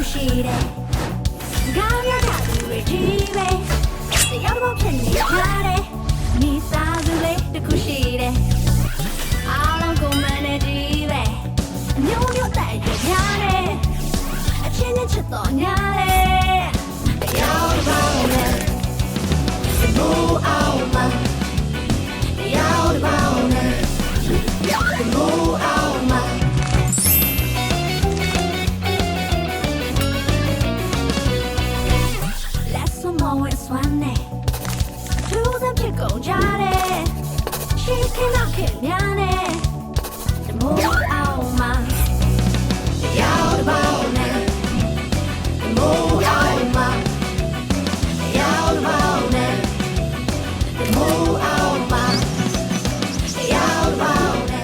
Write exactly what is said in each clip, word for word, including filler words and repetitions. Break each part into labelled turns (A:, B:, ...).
A: ရှိတယ်ကောင်းရတာသူတွေကြီးပဲတရားတော်ဖြစ်နေကြတယ်မိသားစုလေးတစ်ခုရှိတယ်အားလုံးကိုမန်နေကြီးပဲအမျိုးမျိုးတိုက်ကြရတယ်အချင်းချင်းချစ်တော်ညာတယ်တရားတော်နဲ့ဘူအောင်မတရားတော်နဲ့ဘူအောင်မကုန်ကြတယ်ရှိခင်တော့ခင်များနဲ့တမိုးအောင်မှာတရားတော်နဲ့တမိုးအောင်မှာတရားတော်နဲ့တမိုးအောင်မှာတရားတော်နဲ့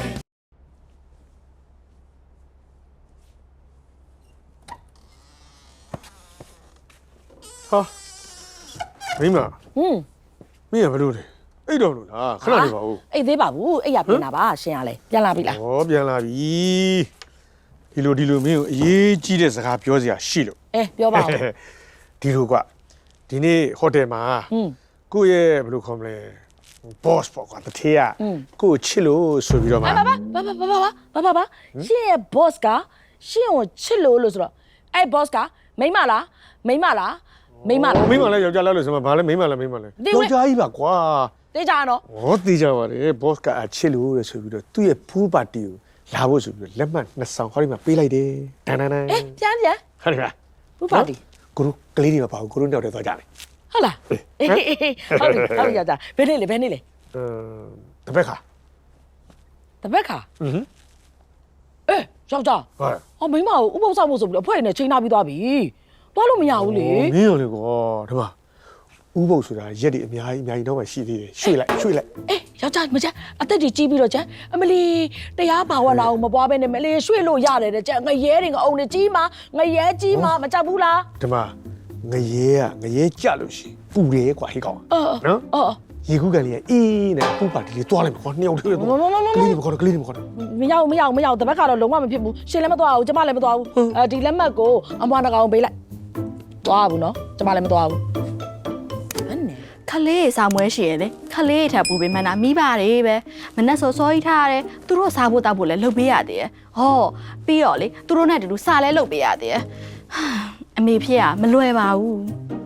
B: ဟာမိမ
C: ဟွန်း
B: မင်းကဘလို့လဲအိတ်တော်လို့လားခဏနေပါဦး
C: အိတ်သေးပါဘူးအိတ်ရပြန်လာပါရှင်ရလဲပြန်လာပြီလား
B: ဩပြန်လာပြီဒီလိုဒီလိုမင်းကိုအရေးကြီးတဲ့စကားပြောစရာရှိလို့
C: အဲပြောပါဦး
B: ဒီလိုကွာဒီနေ့ဟိုတယ်မှာကိုယ့်ရဲ့ဘယ်လိုခေါ်မလဲ boss ပေါ့ကွာတထေးကကိုယ့်ကိုချစ်လို့ဆိုပြီးတော့မှ
C: ဘာဘာဘာဘာဘာဘာဘာဘာရှင်ရဲ့ boss ကရှင်ကိုချစ်လို့လို့ဆိုတော့အဲ့ boss ကမိန်းမလားမိန်းမလားမိန်းမလား
B: မိန်းမလားယောက်ျားလားလို့ဆိုမှဘာလဲမိန်းမလားမိန်းမလားယောက်ျားကြီးပါကွာ
C: တေးကြနော်
B: ဟောတေးကြပါတယ် boss ကအချစ်လို့လေဆိုပြီးတော့သူ့ရဲ့ pool party ကိုလာဖို့ဆိုပြီးတော့လက်မှတ်နှစ်ဆောင်ဟောဒီမှာပေးလိုက်တယ်တန်းတန်းတန်း
C: အေးပြန်ပြန်
B: ဟုတ်တယ်လား
C: pool party
B: ကိုတို့ကလေးတွေမပါဘူးကိုတို့တောက်တယ်သွားကြတယ်
C: ဟုတ်လားအေးဟုတ်ပြီဟုတ်ပြီရတာဘယ်နေ့လဲဘယ်နေ့လဲ
B: အမ်တပတ်ခါ
C: တပတ်ခါ
B: อือ
C: အေးယောက်ျား
B: ဟုတ်
C: အော်မိန်းမကိုဥပုသ်ဆောင်ဖို့ဆိုပြီးအဖွဲ့နဲ့ချိန်ထားပြီးသွားပြီသွားလို့မရဘူးလေ
B: မင်းရောလေကောဒီမှာဥပုပ်ဆိုတာရက်တွေအများကြီးအများကြီးတော့မှရှိသေးတယ်ရွှေ့လိုက်ရွှေ့လိုက်
C: အေးယောက်ျားမကျအသက်ကြီးကြီးပြီးတော့ကျအမလီတရားဘာဝနာကိုမပွားဘဲနဲ့မလေးရွှေ့လို့ရတယ်တဲ့ကျငရဲတွေကအုံတွေကြီးမှာငရဲကြီးမှာမကြောက်ဘူးလား
B: ဒီမှာငရဲကငရဲကြလို့ရှိပူတယ်ကွာဟေးကောင်နော်
C: အော်
B: ရေကူးကန်လေးအေးနဲ့ပူပါတီလေးတွားလိုက်မှာကွာနှစ်ယောက်တည်းတော့ကလေးတွေမခေါ်တော့ကလေးတွေမခေါ်တော့
C: မရောက်မရောက်မရောက်တပတ်ကတော့လုံးဝမဖြစ်ဘူးရှင်လည်းမသွားဘူးကျမလည်းမသွားဘူးအဲဒီလက်မှတ်ကိုအမွားနှကောင်ပေးလိုက်သွားဘူးနော်ကျမလည်းမသွားဘူး
D: ခလေးစားမွဲရှိရလေခလေးထပ်ပူပေးမှန်းတာမိပါတယ်ပဲမနဲ့စောစောကြီးထားရတယ်သူတို့စားဖို့တောက်ဖို့လည်းလုပ်ပေးရသေးတယ်ဟောပြီးတော့လေသူတို့နဲ့တူတူစားလဲလုပ်ပေးရသေးတယ်အမေဖြစ်ရမလွယ်ပါဘူး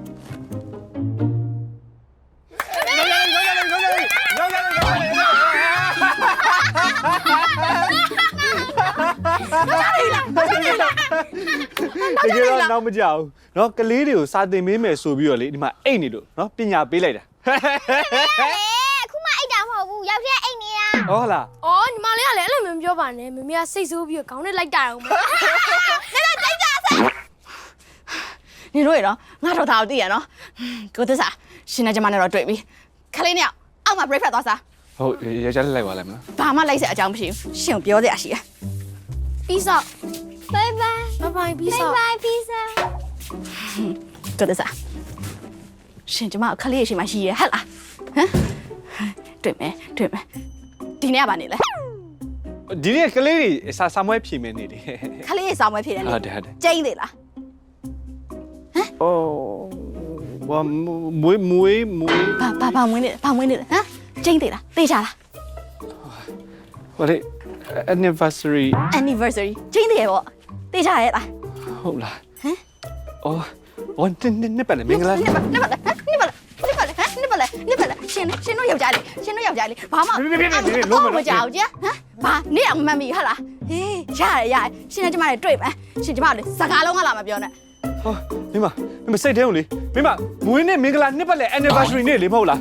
E: တကယ်တော့နောက်မကြောက်เนาะကလေးတွေကိုစာသင်ပေးမယ်ဆိုပြီးတော့လေဒီမှာအိတ်နေလို့เนาะပညာပေးလိုက်တာ
F: အခုမှအိတ်တာမဟုတ်ဘူးယောက်ျားအိတ်နေတာ
E: ဟုတ်လား
F: အော်ညီမလေးကလည်းအဲ့လိုမျိုးပြောပါနဲ့မမေကစိတ်ဆိုးပြီးခေါင်းနဲ့လိုက်တာအောင်မနေတော့ကြိုက်ကြဆက်
D: နေတို့ရတော့ငါတော့ဒါကိုသိရနော်ကိုသစ္စာရှင်နဲ့ကျမနဲ့တော့တွေ့ပြီခလေးနဲ့အောက်မှာ breakfast သွားစား
E: ဟုတ်ရကြလိုက်ပါလိုက်မလား
D: ဘာမှလိုက်စရာအကြောင်းမရှိဘူးရှင်ကိုပြောစရာရှိတယ်
F: ပြီးစောဘိုင်ဘိုင်ဘိုင်ဘိုင်ပြီးစောဘိုင်ဘိုင်ပြီးစော
D: ကိုသစ္စာရှင်ကျမခလေးရရှိမှရှိရဟဲ့လားဟမ်တွေ့မယ်တွေ့မယ်ဒီနေ့ကဘာနေလဲ
E: ဒီနေ့ကလေးတွေစာစာမွဲဖြေမယ်နေတယ်
D: ခလေးစာမွဲဖြေတယ်နေ
E: ဟုတ်တယ်ဟုတ်တယ်
D: ကျင်းသေးလား
E: ဟမ်အိုးဘာမွေးမွေးမွေး
D: ဘာဘာဘာမွေးနေဘာမွေးနေဟမ်ကျင်းသေးလားသိချလား
E: ဟိုလေ anniversary
D: anniversary ကျင်းသေးရဲ့ပေါ့သိချရဲ့လား
E: ဟုတ်လားဟမ်အော်အော်တင်းနေပါလေမင်္ဂလာ
D: နေပါနေပါနေပါနေပါဟမ်နေပါလေနေပါလေရှင်ရှင်တို့ယောက်ျားလေးရှင်တို့ယောက်ျားလေးဘာမှလုံးမကြောက်ကြဟမ်ဘာနေအောင်မှတ်မိဟာလားဟေးရတယ်ရတယ်ရှင်နဲ့ကျမတွေတွေ့မယ်ရှင်ကျမတို့စကားလုံးကလာမပြောနဲ့
E: ဟောမိမမိမစိတ်ထဲုံလေမိမမွေးနေ့မင်္ဂလာနှစ်ပတ်လေ anniversary နေ့လေမဟုတ်လား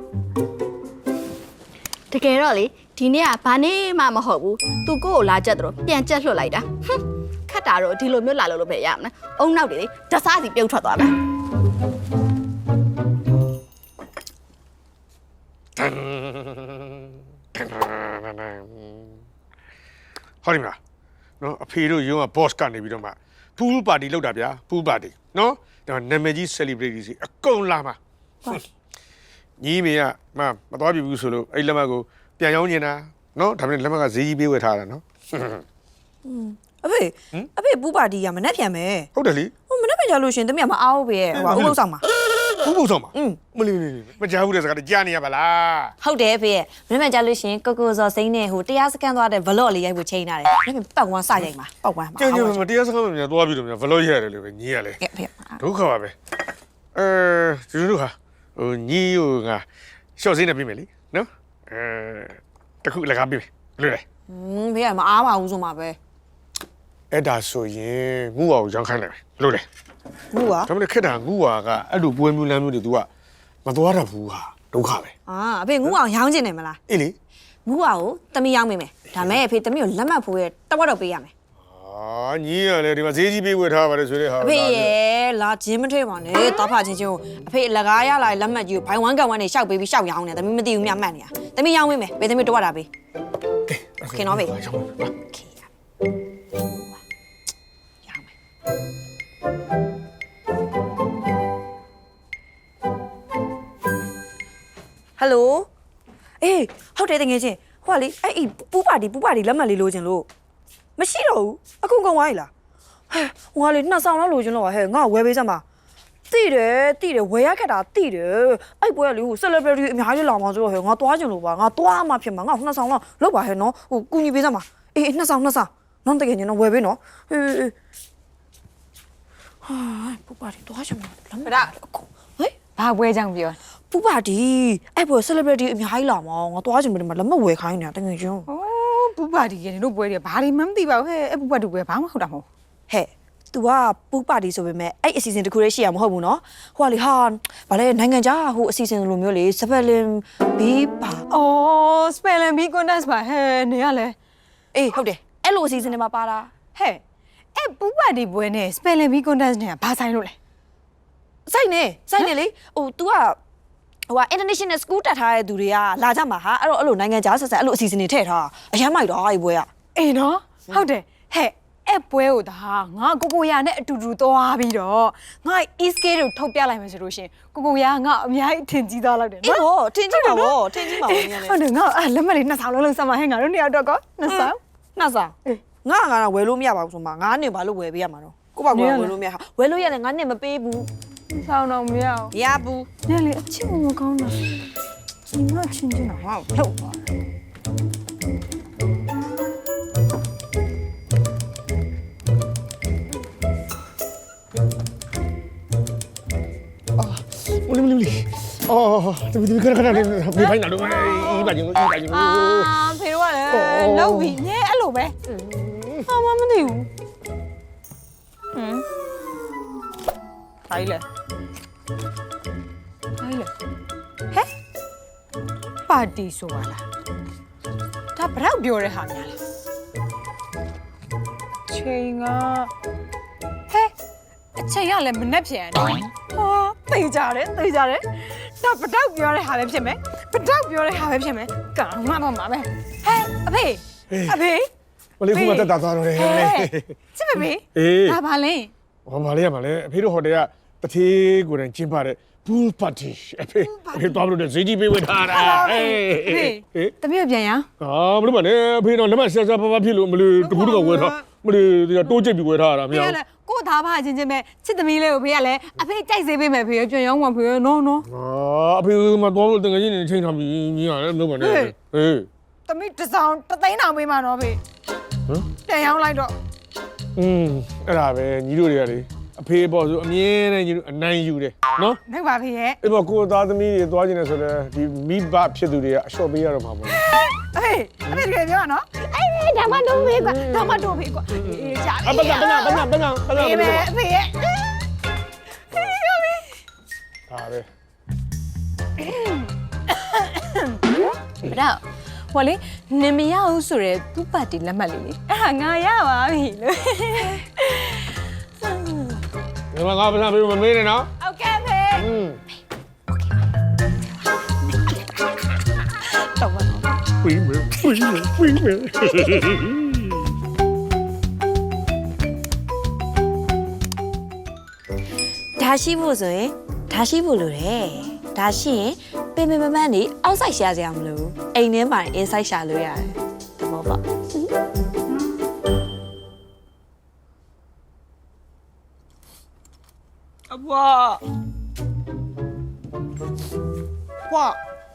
D: တကယ်တော့လေဒီနေ့ကဘာနေ့မှမဟုတ်ဘူးသူကိုကိုလာကြက်တော့ပြန်ကြက်လွှတ်လိုက်တာဟွန်းခတ်တာတော့ဒီလိုမျိုးလာလို့လို့ပဲရမလားအုံနောက်တွေတစားစီပြုတ်ထွက်သွားမယ်
B: ဟောဒီမှာနော်အဖေတို့ရုံးက boss ကနေပြီးတော့မှ pool party လုပ်တာဗျာ pool party နော်ဒါနာမည်ကြီး celebrity စီအကုန်လာမှာညီမေကမမတော်ပြဘူးဆိုလို့အဲ့လက်မတ်ကိုပြန်ရောင်းနေတာနော်ဒါပေမဲ့လက်မတ်ကဈေးကြီးပေးဝယ်ထားတာနော်
F: အ
G: အဖေအဖေပူပါတီကမနှက်ပြန်မယ်
B: ဟုတ်တယ်လေ
G: ဟိုမနှက်ပြန်ကြလို့ရှင်တမီးကမအားဘူးပဲဟိုဥပုပ်ဆောင်မှာ
B: ဘူးဘူးဆောင်ပါ
G: อืม
B: မလီမလီမကြားဘူးတဲ့စကားကြားနေရပါလား
G: ဟုတ်တယ်အဖေမနှက်ပြန်ကြလို့ရှင်ကိုကိုစောစိမ့်နဲ့ဟိုတရားစကန်သွားတဲ့ vlog လေးရိုက်ဖို့ချိန်ထားတယ်မနှက်ပြန်ပတ်ဝန်းစရိုက်မှာပတ်ဝန်းမှာ
B: ကျန်ကျန်မတရားစကားမများသွားပြီးတော့များဘလို့ရတယ်လို့ပဲညီရလေ
G: ကဲအဖေ
B: ဒုက္ခပါပဲအဲကျတို့ဟာဟိုညီဟိုငါရှော့စင်းနေပြီမယ်လीနော်အဲတခုလကားပြီလွတ်တယ်
G: อืมဖေကမအားပါဘူးဆိုမှာပဲ
B: အဲ့ဒါဆိုရင်ငူဝါကိုရောင်းခိုင်းလိုက်မယ်လွတ်တယ်
G: ဟုတ်ပါ
B: ဒါမှမဟုတ်ခက်တာငူဝါကအဲ့လိုပွဲမျိုးလမ်းမျိုးတွေ तू ကမသွားတတ်ဘူးဟာဒုက္ခပဲ
G: အာအဖေငူအောင်ရောင်းကျင်တယ်မလား
B: အေးလေ
G: ငူအောင်ကိုတမီးရောင်းမိမယ်ဒါမဲ့အဖေတမီးကိုလက်မှတ်ဖို့ရတဝက်တော့ပေးရမယ်
B: အာညီရလေဒီမှာဈေးကြီးပေးဝယ်ထားပါတယ်ဆိုတဲ့ဟာ
G: အဖေရဲ့လာချင်းမထွေးပါနဲ့တားဖချင်းချင်းကိုအဖေလကားရလာလက်မှတ်ကြီးကိုဘိုင်ဝမ်ကန်ဝမ်နေရှောက်ပေးပြီးရှောက်ရောင်းနေတမီးမသိဘူးမြတ်မှတ်နေတာတမီးရောင်းမိမယ်ပေးတမီးတဝက်တာပေးခင်နော်ဖေ
B: ရောင်းပါ
G: ခေရရောင်းမယ်ဟယ်လိုအေးဟုတ်တယ်တကယ်ချင်းဟိုကလေအဲ့ဤပူပါတီပူပါတီလက်မှတ်လေးလိုချင်လို့မရှိတော့ဘူးအခုကုန်သွားပြီလားဟဲ့ဟိုကလေနှစ်ဆောင်လောက်လိုချင်လို့ပါဟဲ့ငါဝယ်ပေးစမ်းပါတိတယ်တိတယ်ဝယ်ရခက်တာတိတယ်အဲ့ပွဲကလေဟို celebrity အများကြီးလာမှာဆိုတော့ဟဲ့ငါသွားချင်လို့ပါငါသွားမှဖြစ်မှာငါနှစ်ဆောင်လောက်လောက်ပါဟဲ့နော်ဟိုကူညီပေးစမ်းပါအေးနှစ်ဆောင်နှစ်ဆောင်နော်တကယ်ချင်းတော့ဝယ်ပေးနော်အေးအေးဟာပူပါတီသွားချင်မှာလက်မှတ်အခုဟဲ့
H: ဘာပွဲကြောင့်ပြော
G: ပူပါတီအဲ့ပွဲ celebrity အများကြီးလာမှာငါသွားချင်ပြီမှာလက်မှတ်ဝယ်ခိုင်းနေတာတကယ်ချင်း
H: ဩပူပါတီရဲ့တို့ပွဲတွေဘာတွေမှမသိပါဘူးဟဲ့အဲ့ပူပါတူပွဲဘာမှမဟုတ်တာမဟုတ်
G: ဟဲ့ तू ကပူပါတီဆိုပေမဲ့အဲ့အစီအစဉ်တစ်ခုလေးရှိရမဟုတ်ဘူးနော်ဟိုကလေဟာဗာလဲနိုင်ငံခြားဟိုအစီအစဉ်လိုမျိုးလေစပယ်လင်ဘီပါ
H: ဩ spelling bee contest ပါဟဲ့နေရလဲ
G: အေးဟုတ်တယ်အဲ့လိုအစီအစဉ်တွေမှာပါတာ
H: ဟဲ့အဲ့ပူပါတီပွဲနဲ့ spelling bee contest နဲ့ဘာဆိုင်လို့လဲ
G: စိုက်နေစိုက်နေလေဟို तू ကဟိုက international school တက်ထားတဲ့သူတွေကလာကြမှာဟာအဲ့တော့အဲ့လိုနိုင်ငံခြားဆက်ဆက်အဲ့လိုအစီအစဉ်တွေထည့်ထားအရမ်းမိုက်တော့အဲ့ပွဲက
H: အေးနော်ဟုတ်တယ်ဟဲ့အဲ့ပွဲကိုဒါငါကိုကိုရနဲ့အတူတူသွားပြီးတော့ငါ east gate ကိုထုတ်ပြလိုက်မယ်ဆိုလို့ရှင်ကိုကိုရငါအများကြီးထင်ကြီးသွားလောက်တယ်
G: အေး
H: နော်
G: ဟောထင်ကြည့်ပါဘောထင်ကြည့်ပါဘောမြန်လေ
H: ဟုတ်တယ်ငါအဲ့လက်မလေးနှစ်ဆောင်လုံးလုံးစမ်းမဟဲ့ငါတို့နှစ်ယောက်တော့ကောနှစ်ဆောင်
G: နှစားငါငါတော့ဝယ်လို့မရပါဘူးဆိုမှငါနဲ့ဘာလို့ဝယ်ပေးရမှာတော့ကိုပါကွာဝယ်လို့မရဟာဝယ်လို့ရတယ်ငါနဲ့မပေးဘူး
H: ဆောင်တော့မရဘူး
G: ရဘူး
H: ညလေအချင်းမကောင်းတာညီမချင်းချင်းတော့ဟောထုတ်သွားတယ်
B: မလီမလီမလီအော်တမီတမီခဏခဏလေးပြေးဖိုင်းလာတော့အေးပါချင်းအေးပါချင်း
H: အာဖေတို့ကလည်းလောက်ပြီညဲအဲ့လိုပဲဟာမမသိဘူးဟမ်တိုင်းလေတိုင်းလေဟဲ့ပါတီဆိုပါလားဒါဘရောက်ပြောတဲ့ဟာများလားချိန်ကဟဲ့အချိန်ကလည်းမနှက်ပြန်တယ်ဟာသိကြတယ်သိကြတယ်ဒါပတောက်ပြောတဲ့ဟာပဲဖြစ်မယ်ပတောက်ပြောတဲ့ဟာပဲဖြစ်မယ်ကောင်းမှတော့မှာပဲဟဲ့အဖေအဖေ
B: မလီခုမှတက်တာသွားတော့တယ်
H: ချစ်မမေ
B: အေး
H: ဒါပါလဲ
B: ဟောမလေးရမလဲအဖေတို့ဟိုတယ်ကတသေးကိုယ်တိုင်ကျင်းပတဲ့ pool party အဖေအဖေသွားလို့ဈေးကြီးပေးဝေထားတာအေး
H: ဖေတမီးပြန်ရအောင်
B: ဟာမလို့ပါနဲ့အဖေတော့လက်မဆက်ဆက်ပါပါဖြစ်လို့မလို့တကူတကဝယ်ထားမလို့ဒီတိုးကျိတ်ပြီးဝယ်ထားတာမ
H: ဖေ
B: ရ
H: က
B: ဘူး
H: လည်းကို့သားဖချင်းချင်းပဲချစ်သမီးလေးကိုဖေကလည်းအဖေကြိုက်စေပေးမယ်ဖေပြန်ရောင်းမှာဖေနော်နော်
B: အာအဖေမတော်လို့တကယ်ကြီးနေချိန်ထားပြီးညီရတယ်လို့ပါနဲ့ဟေး
H: သမီးတစ်ဆောင်တစ်သိန်းတောင်ပေးမှာနော်ဖေဟမ်ပြန်ရောင်းလိုက်တော့
B: อืมအဲ့ဒါပဲညီတို့တွေကလေအဖေပေါ့ဆိုအမြဲတမ်းညီတို့အနိုင်ယူတယ်နော်
H: နိုင်ပါဖေရဲ့
B: အဲ့ပေါ့ကိုသားသမီးတွေသွားကျင်နေဆိုတော့ဒီမိဘဖြစ်သူတွေကအလျှော့ပေးရတော့မှာပေါ့
H: အဖေအဖေတကယ်ပြောနော်အေးဒါမှတော့ဖေကွာဒါမှတော့ဖေကွာအေးကြာပြီ
B: အပကပကပကပကပက
H: အေးပဲအဖေရဲ့
B: ဒါပဲ
H: ဘတော့ဟိုလေနင်မရဘူးဆိုရဲသူ့ပါတီလက်မှတ်လေးလေအဲ့ဟာငါရပါပြီလို့
B: ဒီမှာငါပစံပေးမမေးနဲ့နော်
H: โอเคဖေ
B: อืม
H: တော့ပါတော့
B: ဝင်းမယ်ဝင်းမယ်ဝင်းမယ်
G: ဒါရှိဖို့ဆိုရင်ဒါရှိဖို့လိုတယ်ဒါရှိရင်ပင်ပင်မမန်းနေအောက်ဆိုင်ရှာစရာမလိုဘူးအိမ်ထဲမှာ inside ရှာလို့ရတယ်တဘောပေါ့အဘွားဘွား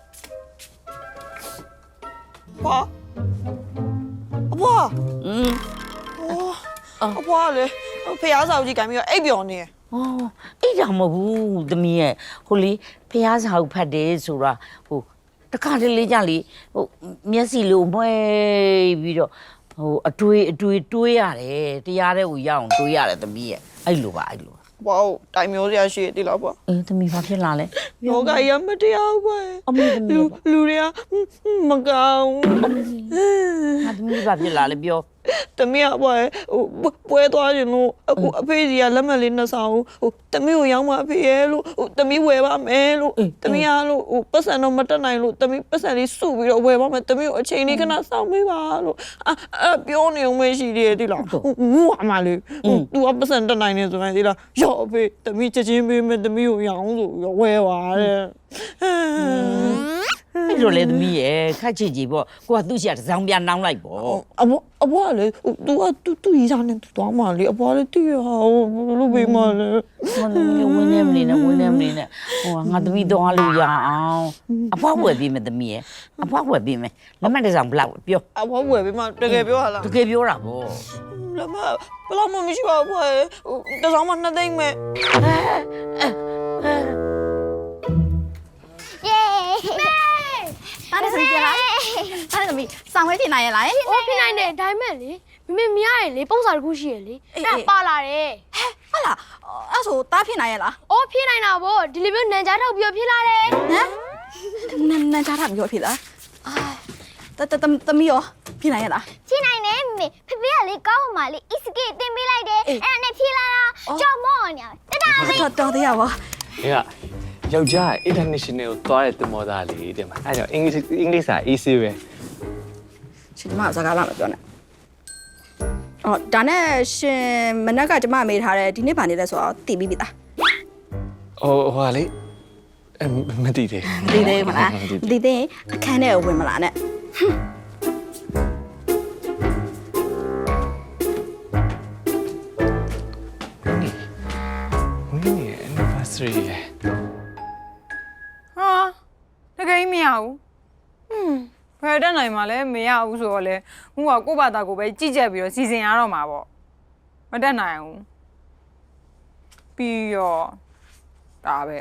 G: ဘွားအဘွား
C: อืม
G: အဘွားလေဖះဆောက်ကြီးကံပြီးတော့အိပ်ပျော်နေ
I: อ๋อအိတ်တာမဟုတ်ဘူးသမီးရဲ့ဟိုလေဖះစာအုပ်ဖတ်တယ်ဆိုတာဟိုတခါတလေကြလေဟိုမျက်စိလိုမွဲပြီးတော့ဟိုအတွေးအတွေးတွေးရတယ်တရားတဲ့ကိုရအောင်တွေးရတယ်သမီးရဲ့အဲ့လိုပါအဲ့လို
G: ဘွားတိုင်မျိုးစရာရှိတယ်လားဘွား
I: အေးသမီးဘာဖြစ်လာလဲ
G: ယောဂရမတရားဘွား
I: အမေသမီး
G: လူ
I: ပါ
G: လူတွေကမကောင်း
I: ငါသမီးဘာဖြစ်လာလဲပြော
G: တမီးကဘွားဟိုပွဲသွားရင်လို့အခုအဖေကြီးကလက်မှတ်လေးနှစ်ဆောင်ဟိုတမီးကိုရောင်းမအဖေရဲ့လို့ဟိုတမီးဝယ်ပါမယ်လို့တမီးကလို့ဟိုပတ်စံတော့မတက်နိုင်လို့တမီးပတ်စံလေးစုပြီးတော့ဝယ်ပါမယ်တမီးကိုအချိန်လေးခဏစောင့်ပေးပါလို့အဲ့ပြောနေအောင်မရှိသေးတယ်ဒီလားငူအမလေးဟို तू ကပတ်စံတက်နိုင်နေဆိုရင်ဒီလားရော့အဖေတမီးချက်ချင်းပေးမယ်တမီးကိုရောင်းဆိုပြီးတော့ဝယ်ပါတဲ့
I: အဲ့လိုလေသမီးရဲ့ခက်ချစ်ကြီးပေါ့ကိုကသူ့ရှာတစ်စောင်းပြန်နှောင်းလိုက်ပေါ့
G: အဘအဘလေ तू က तू သူ့ရီစားနေသွားမှလေအဘလေတည်ရဟာလို့ပေးမှလေ
I: မနမီဝင်းနေမနေနဲ့ဝင်းနေမနေနဲ့ဟိုငါသမီးသွားလို့ရအောင်အဖွားဝယ်ပြီးမယ်သမီးရဲ့အဖွားဝယ်ပြီးမယ်လက်မတစ်စောင်းဘလောက်ပြော
G: အဘဝယ်ပေးမှတကယ်ပြောရလား
I: တကယ်ပြောတာပေါ့
G: လက်မဘလောက်မှမရှိပါဘူးတစောင်းမှနှစ်သိမ့်မဲ့
A: เย้แม่
D: တားတယ်သမီးပြန်လာတားတယ်သမီးစောင်းဝဲပြင်နိုင်ရလား
F: အိုးဖြစ်နိုင်တယ်ဒါပေမဲ့လေမမေမရရလေပုံစံတစ်ခုရှိရလေအဲ့ပါလာတယ်
D: ဟုတ်လားအဲ့ဆိုတားပြင်နိုင်ရလား
F: အိုးဖြစ်နိုင်တာဗောဒီလိုမျိုးနန်ကြားထောက်ပြီးဖြစ်လာတယ်
D: ဟမ်နန်းနန်းကြားတာမျိုးဖြစ်လားအာတတသမီးရောပြင်နိုင်ရလား
A: ဖြည့်နိုင်တယ်မေဖေဖေကလေကောင်းမှလေ iski တင်ပေးလိုက်တယ်အဲ့ဒါနဲ့ဖြည့်လာတာကြောက်မော့နေတတာလေး
D: တော်တော်သေးရပါ
E: ။အေးကယောက်ျား international ကိုသွားတဲ့တင်မောသားလေးတဲ့မှာ။အဲဒါကြောင့် English English စာ easy ပဲ
D: ရှင်ကျမစကားလာမပြောနဲ့အော်ဒါနဲ့ရှင်မနက်ကကျမမေးထားတယ်ဒီနေ့ဗာနေလဲဆိုတော့တည်ပြီးပြီသား
E: ။ဟိုဟိုလေအမသိသေး
D: မသိသေးဘူးမလားမသိသေးရင်အခန်းထဲကိုဝင်မလာနဲ့
E: ။ဝင်းနေ anniversary လေ
H: ဟာတကယ်ကြီးမရဘူးဟွန်းဘယ်တက်နိုင်မှာလဲမရဘူးဆိုတော့လေငူကကိုယ့်ဘာသာကိုပဲကြည့်ကြက်ပြီးတော့စီစဉ်ရတော့မှာပေါ့မတက်နိုင်ဘူးပြီးတော့ဒါပဲ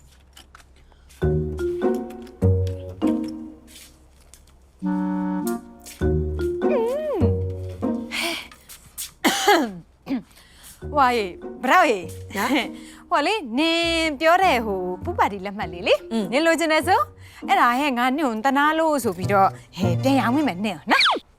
H: ဝါရေးဘရောက်ရေးဟိုလေနင်ပြောတဲ့ဟိုပူပါတီလက်မှတ်လေးလေနင်လိုချင်တယ်ဆိုအဲ့ဒါဟဲ့ငါနင့်ကိုတနာလို့ဆိုပြီးတော့ဟဲ့ပြန်ရောင်းမိမယ်နင့်နော်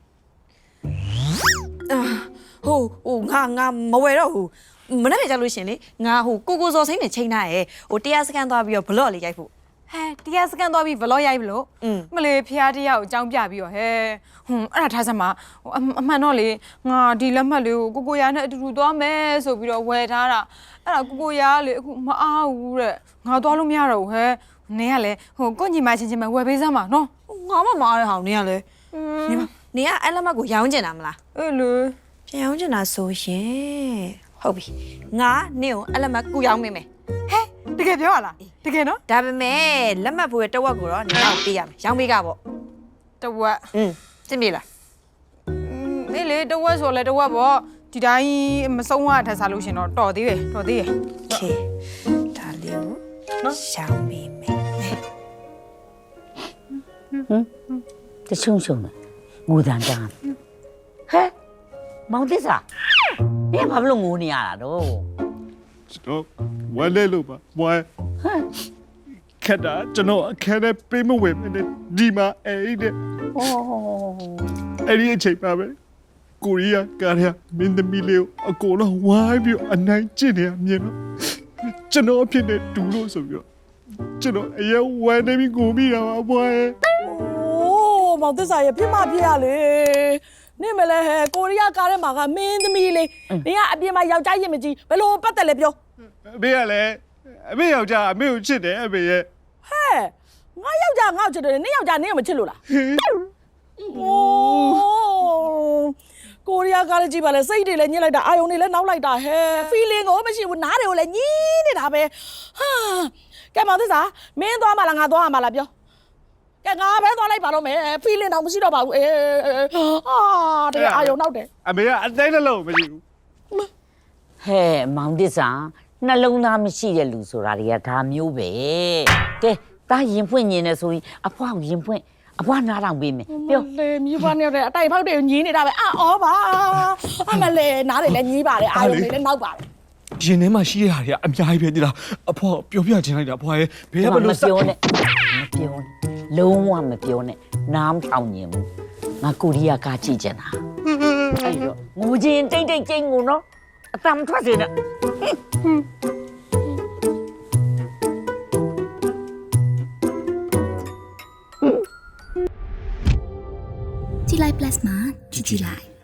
G: ဟိုဟိုငါငါမဝယ်တော့ဘူးမနေ့ကကြလို့ရှင်လေငါဟိုကိုကိုစော်စိမ့်နဲ့ချိန်ထားရဲဟိုတရားစကန်သွားပြီးတော့ဘလော့လေးရိုက်ဖို့
H: ဟဲ့တရားစကန်သွားပြီးဗလော့ရိုက်ဘလို့
G: อืม
H: မလေးဖျားတရားကိုအကြောင်းပြပြီးတော့ဟဲ့ဟွန်းအဲ့ဒါထားစမ်းမဟိုအမှန်တော့လေငါဒီလက်မှတ်လေးကိုကိုကိုရာနဲ့အတူတူသွားမယ်ဆိုပြီးတော့ဝယ်ထားတာအဲ့ဒါကိုကိုရာကလေအခုမအားဘူးတဲ့ငါသွားလို့မရတော့ဘူးဟဲ့နင်ကလေဟိုကိုညီမချင်းချင်းပဲဝယ်ပေးစမ်းပါနော်
G: ငါမမအားရဟောင်းနေရလေနေမနေကအဲ့လက်မကိုရောင်းကျင်တာမလား
H: အဲ့လေ
G: ပြန်ရောင်းကျင်တာဆိုရင်ဟုတ်ပြီငါနင့်ကိုအဲ့လက်မကူရောင်းမိမယ်
H: ဟဲ့တကယ်ပြောရလားတကယ်နော်
G: ဒါပေမဲ့လက်မှတ်ဖို့ရတဝက်ကိုတော့နင်တော့ပေးရမယ်ရောင်းပေးကပေါ့
H: တဝက်
G: อืมသိပြီလား
H: အေးလေတဝက်ဆိုလဲတဝက်ပေါ့ဒီတိုင်းမဆုံးရထက်စားလို့ရှင်တော့တော်သေးတယ်တော်သေးတယ်
G: โอเคဒါလေးကိုနော်ရောင်းပေးမယ်
I: တချုံချုံငိုတန်တန်းဟဲ့မောင်သစ္စာနင်ဘာလို့ငိုနေရတာတော့
J: ကျွန်တော်ဝမ်းလဲလို့ပါဝမ်းခက်တာကျွန်တော်အခက်နဲ့ပေးမဝင်နဲ့ဒီမှာအဲ့တဲ့
I: 哦，
J: အဲ့ဒီအချိန်ပါပဲကိုရီးယားကားရမင်းသမီးလေးကိုအကုန်လုံးဝိုင်းပြီးအနိုင်ကျင့်နေရမြင်တော့ကျွန်တော်အဖြစ်နဲ့တူလို့ဆိုပြီးတော့ကျွန်တော်အရင်ဝမ်းနေပြီးကိုမိတာပါဘွား
C: အိုးမောင်သစ္စာရပြစ်မပြရလေနေမလဲဟဲ့ကိုရီးယားကားထဲမှာကမင်းသမီးလေးနေကအပြင်မှာယောက်ျားရင်မကြီးဘယ်လိုပတ်သက်လဲပြော
J: အမေကလည်းအမေယောက်ျားအမေကိုချစ်တယ်အမေရဲ့
C: ဟဲ့ငါယောက်ျားငါ့ကိုချစ်တယ်နင်ယောက်ျားနင်ကိုမချစ်လို့လား အိုးကိုရီးယားကားလေးကြည့်ပါလေစိတ်တွေလည်းညစ်လိုက်တာအာယုံတွေလည်းနောက်လိုက်တာဟဲ့ feeling ကိုမရှိဘူးနားတွေကိုလည်းညင်းနေတာပဲဟာကဲမောင်သစ္စာမင်းသွားမှလားငါသွားမှလားပြောကဲငါပဲသွားလိုက်ပါတော့မယ် feeling တော့မရှိတော့ပါဘူးအေးအာတဲ့အာယုံနောက်တယ်
E: အမေကအသိနှလုံးမရှိဘူး
I: ဟဲ့မောင်သစ္စာနှလုံးသားမရှိတဲ့လူဆိုတာတွေကဒါမျိုးပဲကဲတာရင်ဖွင့်ညင်နေဆိုရင်အဖွားကိုရင်ဖွင့်အဖွားနားထောင်ပေးမယ်ပြော
C: လေမြူပါနေတဲ့အတိုက်ဖောက်တွေကိုညင်းနေတာပဲအော်ပါအမလေးနားတွေလည်းညင်းပါတယ်အာယုံတွေလည်းနောက်ပါတယ်
J: ရင်ထဲမှာရှိရတာတွေကအများကြီးပဲတိလားအဖေပြောပြချင်လိုက်တာအဖွားရဲ့ဘယ်ကဘ
I: မ
J: လို့
I: ပြောနဲ့မပြောနဲ့လုံးဝမပြောနဲ့နားမထောင်ညင်ဘူးငါကိုရီးယားကားကြည့်ကြတာအဲ့တော့ငိုချင်းတိတ်တိတ်ကျင်းငိုနော်အတမ်းထွက်စေနဲ့
A: ကြည်လိုက် plus မှာကြည်ကြည်လိုက်